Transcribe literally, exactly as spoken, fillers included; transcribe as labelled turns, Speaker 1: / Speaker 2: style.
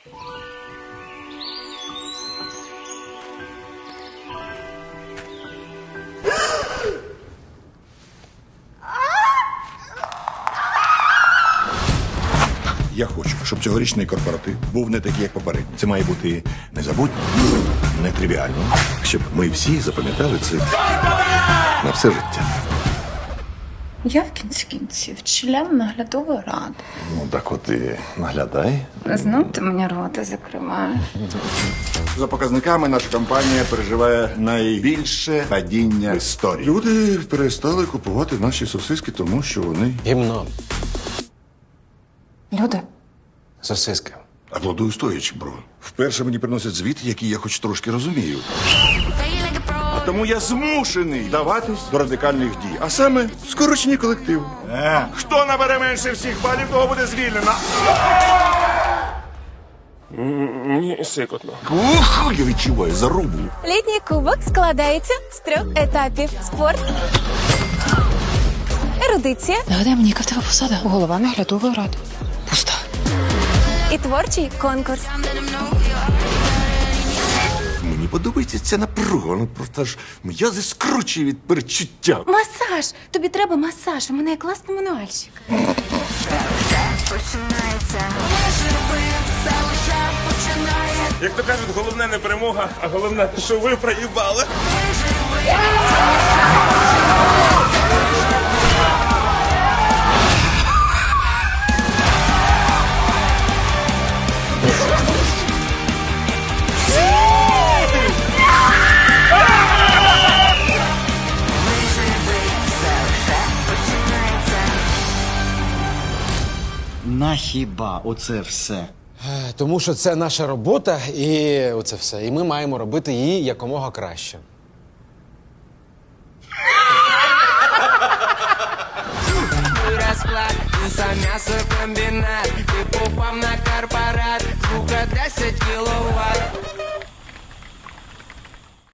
Speaker 1: Я хочу, щоб цьогорічний корпоратив був не такий, як попередній. Це має бути незабутньо, нетривіально, щоб ми всі запам'ятали це на все життя.
Speaker 2: Я в кінці кінців член наглядової ради.
Speaker 1: Ну так от і наглядай.
Speaker 2: Знов ти мені рота закриваєш.
Speaker 1: За показниками наша компанія переживає найбільше падіння в історії. Люди перестали купувати наші сосиски, тому що вони
Speaker 3: Гімно.
Speaker 2: Люди,
Speaker 3: Сосиски.
Speaker 1: аплодую стоячи, бро. Вперше мені приносять звіт, який я хоч трошки розумію. А тому я змушений даватись до радикальних дій. А саме скорочені колективу. Е, хто набере менше всіх балів, того буде звільнено.
Speaker 4: Мені сикотно.
Speaker 1: Ух, я відчуваю зарубу.
Speaker 5: Літній кубок складається з трьох етапів: спорт, ерудиція
Speaker 2: нагадай мені, яка в тебе посада? Голова наглядової ради. Пуста.
Speaker 5: і творчий конкурс.
Speaker 1: Мені подобається ця напруга, ну просто ж м'язи скручує від перечуття.
Speaker 5: Масаж! Тобі треба масаж. У мене є класний мануальщик.
Speaker 4: Як то кажуть, головне не перемога, а головне, що ви проїбали.
Speaker 6: На хіба оце все?
Speaker 3: Тому що це наша робота, і оце все. І ми маємо робити її якомога краще.